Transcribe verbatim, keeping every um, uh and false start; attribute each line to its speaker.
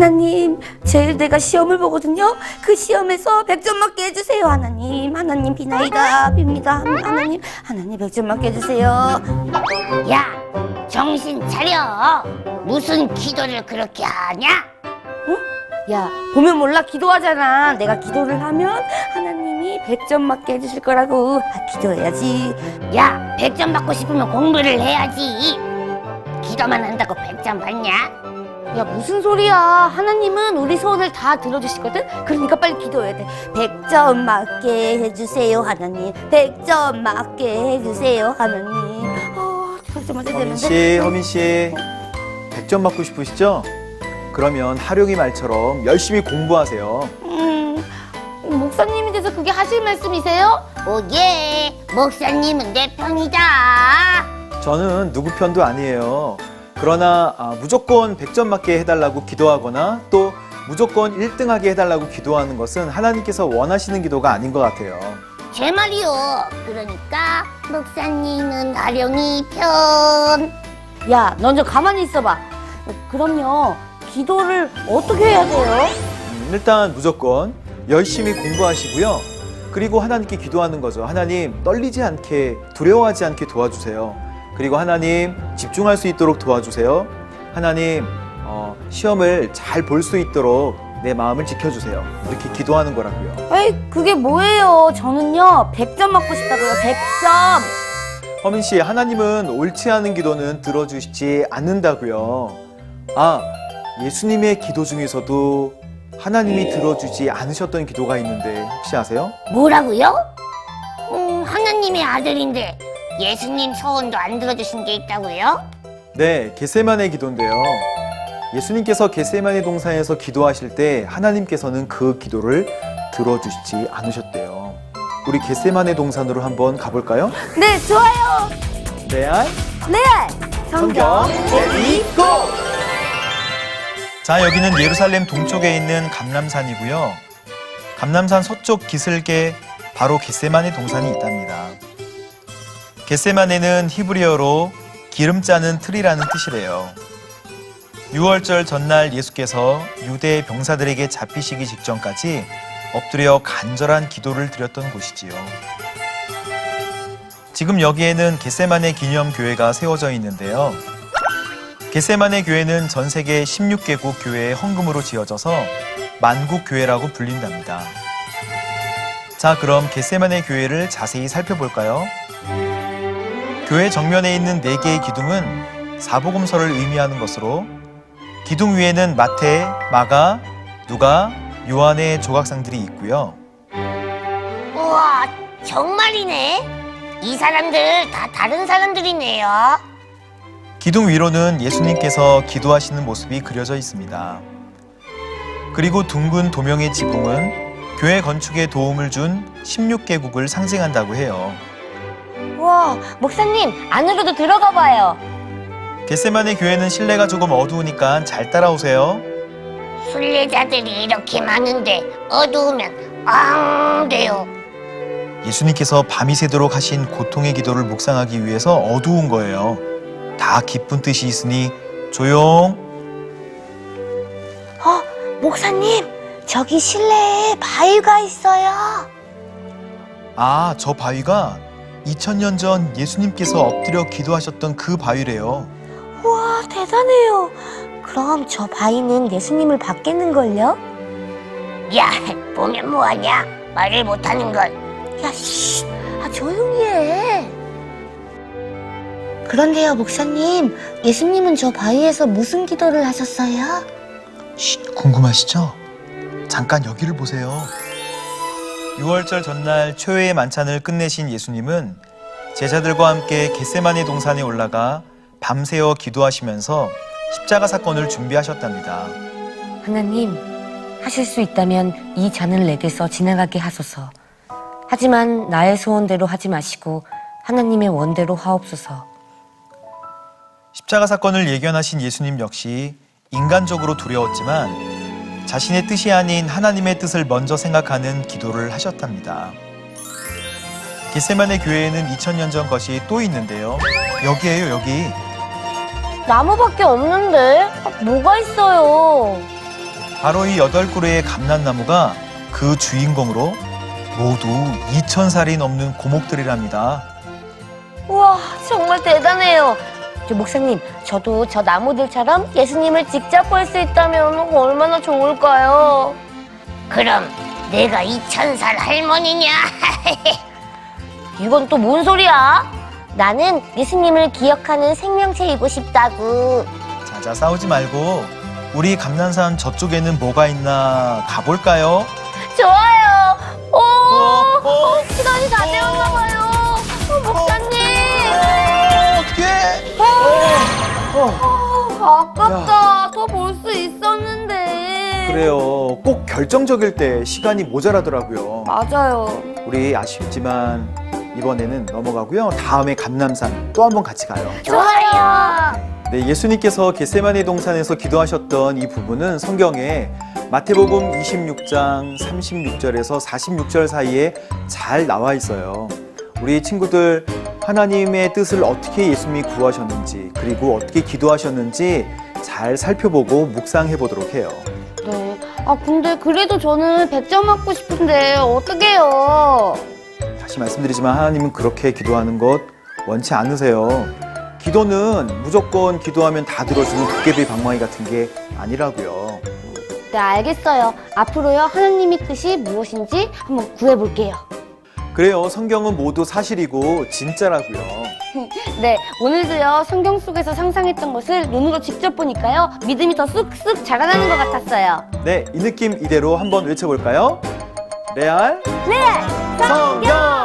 Speaker 1: 하나님, 제일 내가 시험을 보거든요. 그 시험에서 백 점 맞게 해주세요. 하나님, 하나님 비나이다 빕니다. 하나님, 하나님 백 점 맞게 해주세요.
Speaker 2: 야, 정신 차려. 무슨 기도를 그렇게 하냐?
Speaker 1: 어? 야, 보면 몰라 기도하잖아. 내가 기도를 하면 하나님이 백 점 맞게 해주실 거라고. 아, 기도해야지.
Speaker 2: 야, 백 점 받고 싶으면 공부를 해야지. 기도만 한다고 백 점 받냐?
Speaker 1: 야, 무슨 소리야. 하나님은 우리 소원을 다 들어주시거든. 그러니까 빨리 기도해야 돼. 백 점 맞게 해주세요 하나님. 백 점 맞게 해주세요 하나님. 아, 백 점 맞게 되는데.
Speaker 3: 허민씨, 허민씨 백 점 받고 싶으시죠? 그러면 하룡이 말처럼 열심히 공부하세요.
Speaker 1: 음, 목사님이 돼서 그게 하실 말씀이세요?
Speaker 2: 오예, 목사님은 내 편이다.
Speaker 3: 저는 누구 편도 아니에요. 그러나 아, 무조건 백 점 맞게 해달라고 기도하거나 또 무조건 일 등 하게 해달라고 기도하는 것은 하나님께서 원하시는 기도가 아닌 것 같아요.
Speaker 2: 제 말이요. 그러니까 목사님은 아령이 편.
Speaker 1: 야, 넌 좀 가만히 있어봐. 그럼요, 기도를 어떻게 해야 돼요?
Speaker 3: 음, 일단 무조건 열심히 공부하시고요. 그리고 하나님께 기도하는 거죠. 하나님, 떨리지 않게, 두려워하지 않게 도와주세요. 그리고 하나님, 집중할 수 있도록 도와주세요. 하나님, 어, 시험을 잘 볼 수 있도록 내 마음을 지켜주세요. 이렇게 기도하는 거라고요.
Speaker 1: 에이, 그게 뭐예요? 저는요, 백 점 맞고 싶다고요. 백 점.
Speaker 3: 허민 씨, 하나님은 옳지 않은 기도는 들어주시지 않는다고요. 아, 예수님의 기도 중에서도 하나님이 들어주지 않으셨던 기도가 있는데 혹시 아세요?
Speaker 2: 뭐라고요? 음, 하나님의 아들인데 예수님 소원도 안 들어주신 게 있다고요?
Speaker 3: 네, 겟세마네 기도인데요. 예수님께서 겟세마네 동산에서 기도하실 때 하나님께서는 그 기도를 들어주시지 않으셨대요. 우리 겟세마네 동산으로 한번 가볼까요?
Speaker 1: 네, 좋아요.
Speaker 3: 레알
Speaker 1: 네,
Speaker 3: 성경 레디 고! 자, 여기는 예루살렘 동쪽에 있는 감람산이고요. 감람산 서쪽 기슭에 바로 겟세마네 동산이 있답니다. 겟세마네는 히브리어로 기름 짜는 틀이라는 뜻이래요. 유월절 전날 예수께서 유대 병사들에게 잡히시기 직전까지 엎드려 간절한 기도를 드렸던 곳이지요. 지금 여기에는 겟세마네 기념교회가 세워져 있는데요. 겟세마네 교회는 전 세계 십육 개국 교회의 헌금으로 지어져서 만국교회라고 불린답니다. 자, 그럼 겟세마네 교회를 자세히 살펴볼까요? 교회 정면에 있는 네 개의 기둥은 사복음서를 의미하는 것으로 기둥 위에는 마태, 마가, 누가, 요한의 조각상들이 있고요.
Speaker 2: 우와, 정말이네. 이 사람들 다 다른 사람들이네요.
Speaker 3: 기둥 위로는 예수님께서 기도하시는 모습이 그려져 있습니다. 그리고 둥근 도명의 지붕은 교회 건축에 도움을 준 십육 개국을 상징한다고 해요.
Speaker 1: 와, 목사님, 안으로도 들어가 봐요.
Speaker 3: 겟세마네 교회는 실내가 조금 어두우니까 잘 따라오세요.
Speaker 2: 순례자들이 이렇게 많은데 어두우면 앙 돼요.
Speaker 3: 예수님께서 밤이 새도록 하신 고통의 기도를 묵상하기 위해서 어두운 거예요. 다 깊은 뜻이 있으니 조용.
Speaker 1: 어, 목사님, 저기 실내에 바위가 있어요.
Speaker 3: 아, 저 바위가 이천 년 전 예수님께서 엎드려 기도하셨던 그 바위래요.
Speaker 1: 우와, 대단해요. 그럼 저 바위는 예수님을 받겠는걸요?
Speaker 2: 야, 보면 뭐하냐? 말을 못하는 걸.
Speaker 1: 야, 씨, 아, 조용히 해. 그런데요, 목사님, 예수님은 저 바위에서 무슨 기도를 하셨어요?
Speaker 3: 쉿, 궁금하시죠? 잠깐 여기를 보세요. 유월절 전날 초회의 만찬을 끝내신 예수님은 제자들과 함께 겟세마네 동산에 올라가 밤새워 기도하시면서 십자가 사건을 준비하셨답니다.
Speaker 1: 하나님, 하실 수 있다면 이 잔을 내게서 지나가게 하소서. 하지만 나의 소원대로 하지 마시고 하나님의 원대로 하옵소서.
Speaker 3: 십자가 사건을 예견하신 예수님 역시 인간적으로 두려웠지만 자신의 뜻이 아닌 하나님의 뜻을 먼저 생각하는 기도를 하셨답니다. 겟세마네 교회에는 이천 년 전 것이 또 있는데요. 여기에요, 여기.
Speaker 1: 나무밖에 없는데? 뭐가 있어요?
Speaker 3: 바로 이 여덟 그루의 감람나무가 그 주인공으로 모두 이천 살이 넘는 고목들이랍니다.
Speaker 1: 우와, 정말 대단해요. 저 목사님, 저도 저 나무들처럼 예수님을 직접 볼 수 있다면 얼마나 좋을까요?
Speaker 2: 그럼 내가 이천 살 할머니냐?
Speaker 1: 이건 또 뭔 소리야? 나는 예수님을 기억하는 생명체이고 싶다고.
Speaker 3: 자자, 싸우지 말고 우리 감난산 저쪽에는 뭐가 있나 가볼까요?
Speaker 1: 좋아요. 오,
Speaker 3: 어, 어.
Speaker 1: 시간이 다 되었나 봐요. 어, 목사님.
Speaker 3: 어떡해!
Speaker 1: 아, 아깝다. 더 볼 수 있었는데.
Speaker 4: 그래요. 꼭 결정적일 때 시간이 모자라더라고요.
Speaker 1: 맞아요.
Speaker 4: 우리 아쉽지만 이번에는 넘어가고요. 다음에 감람산 또 한 번 같이 가요.
Speaker 1: 좋아요.
Speaker 4: 네, 예수님께서 겟세마네 동산에서 기도하셨던 이 부분은 성경에 마태복음 이십육 장 삼십육 절에서 사십육 절 사이에 잘 나와 있어요. 우리 친구들, 하나님의 뜻을 어떻게 예수님이 구하셨는지, 그리고 어떻게 기도하셨는지 잘 살펴보고 묵상해 보도록 해요.
Speaker 1: 네. 아, 근데 그래도 저는 백 점 맞고 싶은데 어떡해요?
Speaker 4: 다시 말씀드리지만 하나님은 그렇게 기도하는 것 원치 않으세요. 기도는 무조건 기도하면 다 들어주는 도깨비 방망이 같은 게 아니라고요.
Speaker 1: 네, 알겠어요. 앞으로요, 하나님의 뜻이 무엇인지 한번 구해볼게요.
Speaker 4: 그래요. 성경은 모두 사실이고 진짜라고요.
Speaker 1: 네, 오늘도요, 성경 속에서 상상했던 것을 눈으로 직접 보니까요, 믿음이 더 쑥쑥 자라나는 것 같았어요.
Speaker 4: 네, 이 느낌 이대로 한번 외쳐볼까요? 레알
Speaker 1: 네,
Speaker 4: 성경!